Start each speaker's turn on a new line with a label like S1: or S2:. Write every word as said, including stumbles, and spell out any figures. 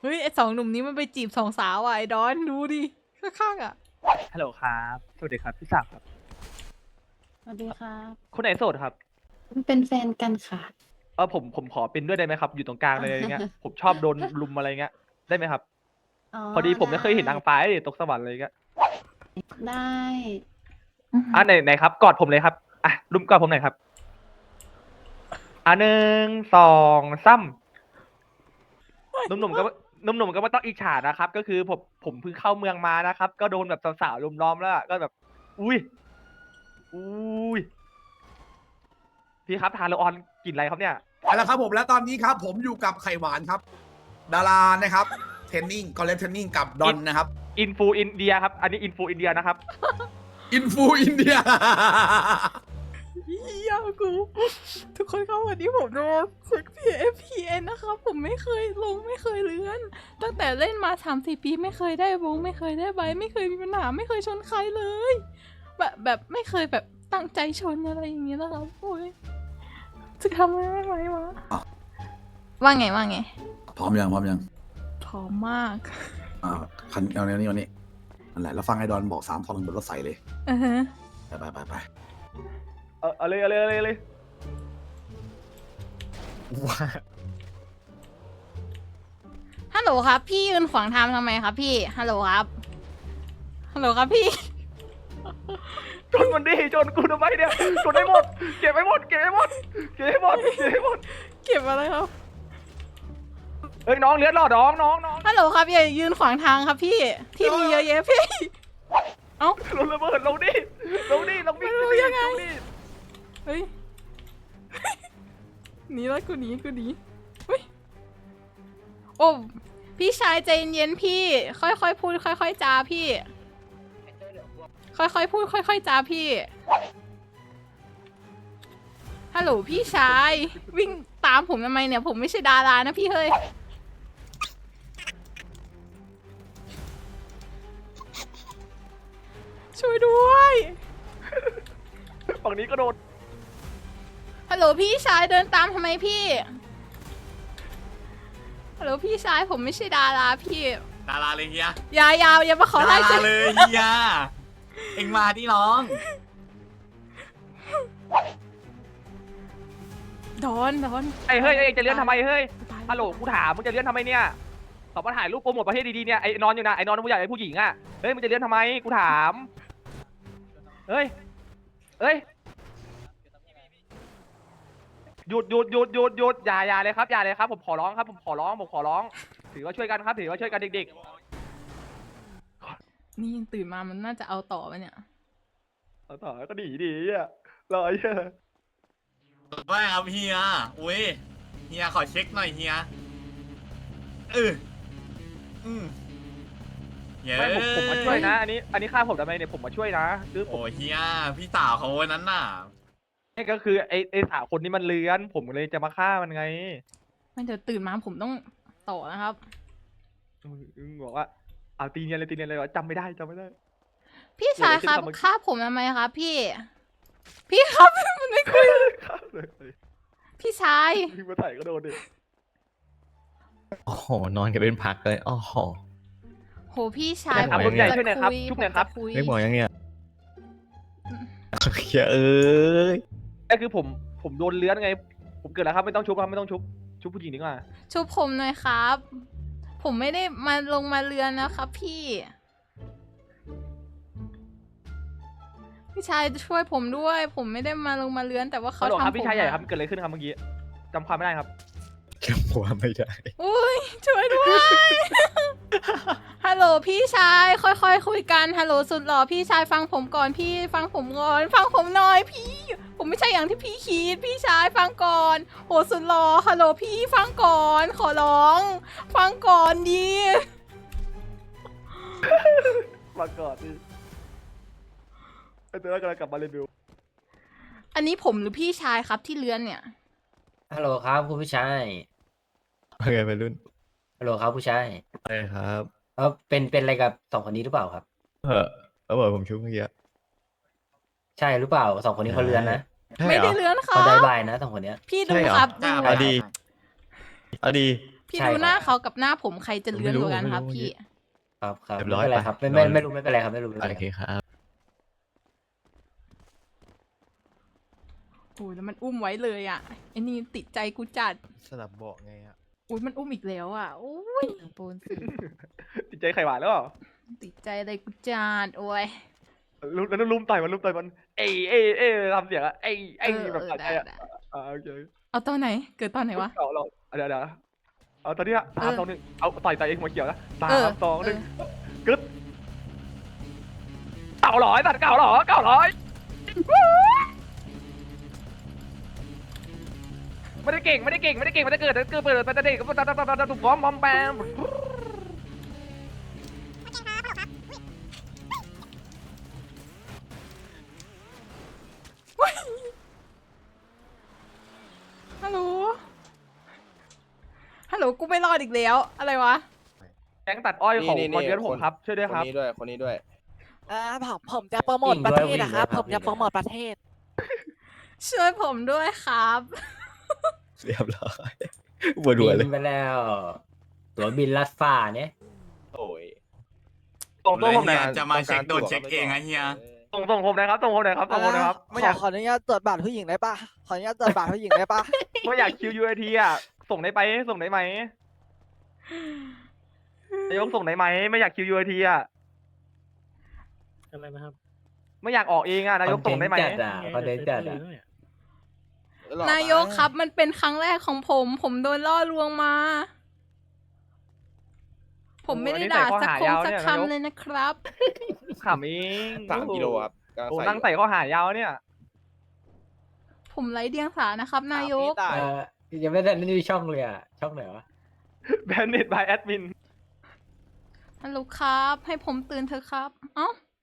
S1: ฮ้ยไอสองหนุ่มนี้มันไปจีบสองสาวอ่ะไอดอนดูดิข้างๆอ่ะ
S2: ฮัลโหลครับสวัสดีครับพี่ศักดิ์ครับ
S3: สวัสดีครับ
S2: คนไหนโสดครับ
S3: เป็นแฟนกันค่ะ
S2: เออผมผมขอเป็นด้วยได้ไหมครับอยู่ตรงกลางเลยอะไรเงี้ยผมชอบโดนลุมอะไรเงี้ยได้ไหมครับ
S3: อ๋อ
S2: พอดีผมไม่เคยเห็น
S3: ได้
S2: นางฟ้าเลยตกสวรรค์อะไรเงี้ย
S3: ได้
S2: อ่ะไหนไหนครับกอดผมเลยครับอ่ะลุมกอดผมหน่อยครับอ่ะหนึ่งสองสามหนุ่มๆก็หนุ่มๆก็ไม่ต้องอิจฉานะครับ ก็คือผมผมเพิ่งเข้าเมืองมานะครับ ก็โดนแบบสาวๆลุมล้อมแล้วอะก็แบบ อุ้ยอุ้ยพี่ครับทานโลออนกลิ่นอะไรครับเนี่ย
S4: เอาละครับผมและตอนนี้ครับผมอยู่กับไข่หวานครับ ดารานะครับเทรนนิ่งคอลเลกเทรนนิ่งกับดอนนะครับ
S2: อินฟูอินเดียครับอันนี้อินฟูอินเดียนะครับ
S4: อินฟูอินเดีย
S1: เฮียกูทุกคนครับวันนี้ผมโดนฝึก พี เอฟ พี เอ็น นะครับผมไม่เคยลงไม่เคยเลื่อน ตั้งแต่เล่นมาสามสี่ปีไม่เคยได้วงไม่เคยได้ใบไม่เคยมีปัญหาไม่เคยชนใครเลย แบบแบบไม่เคยแบบตั้งใจชนอะไรอย่างเงี้ยนะครับโอ้ยจะทำได้ไหมวะ
S4: อ่ะ
S1: ว่าไงว่าไง
S4: พร้อมยังพร้อมยัง
S1: พร้อมมาก
S4: อ่าคันเอาเนี้ยนี่วันนี้นั่นแหละแล้วฟังไอ้ดอนบอกสามทอนบนรถใส่เลย
S1: อือฮะ
S4: ไปไปไปไป
S2: เออเอาเลยเอาเลยเอาเลยเอาเลย
S1: ฮัลโหลครับ พี่ยืนขวางทางทำไมครับพี่ฮัลโหลครับฮัลโหลครับพี่
S2: ชนมันดิชนกูทำไมเนี่ยชนให้หมดเก็บให้หมดเก็บให้หมดเก็บให้หมดเก็บให้หมด
S1: เก็บอะไรครับ
S2: เอ้ยน้องเลี้ยนหรอน้องน้องน้อง
S1: ฮัลโหลครับอย่ายืนขวางทางครับพี่ที่มีเยอะแยะพี่ เอ้า
S2: ลงระเบิดลงดิลงดิลงวิ่ง
S1: ไม่รู้
S2: ดิ
S1: ยังไง
S2: ลดิ
S1: เฮ้ย หนีแล้วกูหนีกูหนีเฮ้ย โอ้พี่ชายใจเย็นๆพี่ ค่อยๆพูด ค่อยๆจาพี่ ค่อยๆพูด ค่อยๆจาพี่ ฮัลโหลพี่ชาย วิ่งตามผมทำไมเนี่ย ผมไม่ใช่ดารานะพี่เฮ้ย ช่วยด้วย
S2: ฝั่งนี้ก็โดน
S1: ฮัลโหลพี่ชายเดินตามทำไมพี่ ฮัลโหลพี่ชายผมไม่ใช่ดาราพี่
S5: ดาราเลยเฮีย
S1: อย่าอย่าอย่ามาขอ
S5: ดา
S1: ไล่
S5: รา
S1: ฉัน
S5: เลยเฮีย เอ็งมาที่น้อง
S1: ดอนดอน
S2: ไอ้เฮ้ยไอ้จะเลี้ยนทำไมเฮ้ย
S1: ตาย
S2: ฮัลโหลกูถามมึงจะเลี้ยนทำไมเนี่ยตอบมาถ่ายรูปโปรโมทประเทศดีๆเนี่ยไอ้นอนอยู่นะไอ้นอนผู้ใหญ่ไอ้ผู้หญิงอ่ะเฮ้ยมึงจะเลี้ยนทำไมกูถามเฮ้ยเฮ้ยหยุดหยุดหยุดหยุดหยุดอย่าอย่าเลยครับอย่าเลยครับผมขอร้องครับผมขอร้องผมขอร้อง ถือว่าช่วยกันครับถือว่าช่วยกันเด็ก
S1: นี่ยังตื่นมามันน่าจะเอาต่อปะเนี่ย
S2: ๆเอาต่อก็ดีดีอ่ะรอไอ้เหี้ย
S5: ว่าครับเฮีย อุ้ย เฮียขอเช็คหน่อยเฮียเอออืมเย้
S2: ไม่ผมผมมาช่วยนะ อันนี้อันนี้ค่าผมทำไมเนี่ยผมมาช่วยนะคือผม
S5: โอ้เฮีย พี่สาวเขาวันนั้นน่ะ
S2: นี่ก็คือไอ้ไอ้สาวคนนี้มันเลื้อน ผมเลยจะมาฆ่ามันไง
S1: ไม่เดี๋ยวตื่นมาผมต้องต่อนะครับ
S2: มึงบอกว่าเอาตีเนียนเลยตีเนียนเลยวะจำไม่ได้จำไม่ได้
S1: พี่ชายครับ
S2: เดี๋ยวเดี๋ยว
S1: ฆ่าผมทำไมครับพี่ พี่ครับ มันไม่คุย
S2: ฆ่าเลย
S1: พี่ชาย
S2: วิ่งมาใส่ก็โดนดิ
S6: โอ้โห นอนกันเป็นพักเลยโอ้โห
S1: โหพี่ชาย
S6: ได้ครับ
S1: ผม
S6: รุ่นใหญ่
S1: จะ
S2: ช่วยหน่อยครับ
S1: คุ
S2: ชุบหน่อยครับ
S1: ผมจะ
S6: ไม่บอกยังเนี่ยเฮียเอ้ย
S2: ก็คือผมผมโดนเลื้อนไง ผมเกิดแล้วครับไม่ต้องชุบครับไม่ต้องชุบชุบผู้หญิงดีกว่า
S1: ชุบผมหน่อยครับ ผมไม่ได้มาลงมาเรือนนะครับพี่ พี่ชายช่วยผมด้วย ผมไม่ได้มาลงมาเรือนแต่ว่าเขา
S2: ฮัลโหล
S1: ทำ
S2: ครับ
S1: ผม
S2: พี่ชายใหญ่
S1: อะ
S2: ครับเกิดอะไรขึ้นครับเมื่อกี้จำความไม่ได้ครับ
S6: จำหัวไม่ได้
S1: อุ้ยช่วยด้วย ฮัลโหลพี่ชายค่อยๆคุยกันฮัลโหลสุดหล่อพี่ชายฟังผมก่อนพี่ฟังผมก่อนฟังผมหน่อยพี่ ผมไม่ใช่อย่างที่พี่คิดพี่ชายฟังก่อนโหสุดหล่อฮัลโหลพี่ฟังก่อน ขอร้อง ฟังก่อนดี
S2: มาก่อนดิไอ้ตัวนั้นกำลังกลับมาเรวิว
S1: อันนี้ผมหรือพี่ชายครับที่เลื้อนเนี่ย
S7: ฮัลโหลครับคุณผู้ชาย
S6: โอเคไปรุ่น
S7: ฮัลโหลครับผู้ชาย
S6: ไปครับ
S7: เออเป็นเป็นอะไรกับสองคนนี้หรือเปล่าครับ
S6: เออเอาบอกผมชุบเมื่อกี้
S7: ใช่หรือเปล่าสองคนนี้เขาเลือนนะ
S6: ใช่
S1: ไม่
S6: เหร
S1: ได้
S6: อ
S1: เลื้อนค
S7: เขา
S1: รั
S7: ได้
S1: บ
S7: บายนะสองคนเนี้ย
S1: พี่ดู
S6: ใช่เหรอ
S1: ครับ
S5: ใช่
S1: ดู
S5: เอา
S6: เอาดีเอาดี
S1: พี่พี่
S7: ใช่
S1: ดูหน้า
S7: ครับ
S1: เขากับหน้าผมใครจะเลื้อนกว่ากันครับ
S6: ไม่รู้
S1: พี่
S7: ครับครับ
S6: เรียบ
S7: ไม่
S6: ร้อย
S7: เป็นไร
S6: ปะ
S7: ครับ ไม่
S6: น
S7: ไม่
S6: อน
S7: ไม่รู้ไม่เป็นไรครับไม่รู้ไม่เป็นไร
S6: โอเคครับ
S1: โอ้ยแล้วมันอุ้มไว้เลยอ่ะไอ้นี่ติดใจกูจัด
S6: สลับเบาะไงอ่ะ
S1: อุ้ยมันอุ้มอีกแล้วอ่ะโอ้ยโปนสิ
S2: ติดใจไข่หวานแล้วเหรอ
S1: ติดใจอะไรกูจัดโอ้ย
S2: ลุมแล้วลุมต่อยมันลุมต่อยมันเอ้ยเอ้ยเอ้ยทำเสียงอะเอ้ยเอ้ย
S1: เออ
S2: แบบ
S1: เออ
S2: ตัดใจอะ
S1: ได้ได้
S2: อ่าโอเค
S1: เอาตอนไหน เกิดตอนไหนวะ
S2: เราเราเดี๋ยวเดี๋ยวเอาตอนเนี้ยสาม
S1: เออ
S2: สองหนึ่งเอาต่อยต่อยเองหัวเขียวนะสา
S1: เออ
S2: มสองหนึ่ง
S1: เออ
S2: กึ๊ดเก่าร้อยตัดเก่าหรอเก่าร้อยไม่ได้เก่งไม่ได้เก่งไม่ได้เก่งไม่ได้เกิดเกิดเปิดแต่เด็กก็ตัดตัดตัดตัดถูกฟ้อมมอมแปม
S1: ฮัลโหลฮัลโหลกูไม่รอดอีกแล้ว อะไรวะ
S2: แก๊งตัดอ้อยของ
S8: นี่นี่
S2: มอนเดือนผม
S8: คน
S2: ครับช่วยด้วย
S8: ค
S2: คน รับ
S8: นี้ด้วย คนนี้ด้วย
S9: อ่าผมผมจะโปรโมทประเทศนะครับ ผมจะโปรโมทประเทศ
S1: ช่วยผมด้วยครับ
S6: เรียบร้อยปวดหัวเลย
S7: บินไปแล้วตัวบินลัดฟ้าเนี่ย
S8: โอ้ย
S2: ส่ง
S5: เล
S2: ส่ง
S5: ย
S2: ผมหน่
S5: เฮี
S2: อย
S5: ยจะมาเช็คโดนเช็คเองอะเฮีย
S2: ส่งส่งผมหนะครับส่งผมหนะครับส่งผมหนะครับไม่อยาก
S9: ขออนุญาตตรวจบัตรผู้หญิงได้ปะขออนุญาตตรวจบัตรผู้หญิงได้ปะ
S2: ไม่อยากคิวยูไอทีอ่ะส่งได้ไปส่งได้ไหมนายกส่งได้ไหมไม่อยากคิวยูไอทีอ่ะ
S10: อะไรนะครับ
S2: ไม่อยากออกเองอ่ะนายกส่งได้ไหม
S7: จัดอ่ะคอนเทนต์จัดอ่ะ
S1: นายกครับมันเป็นครั้งแรกของผม ผมโดนล่อลวงมา ผมไม่ได้ด่าสักคงสักคำเลยนะครับ
S2: ขำเอง
S8: สามกิโลครับกำลัง
S2: โอ้
S8: ใส่
S2: นั่งใส่ข้อหายาวเนี่ย
S1: ผมไร้เดียงสานะครับ นายก
S7: เออยังไม่ได้นี่ช่องเลยอ่ะ ช่องไหนวะ
S2: แบนเน็ตบายแอดมิน
S1: ฮัลโหลครับ ให้ผมตื่นเถอะครับ เอ้า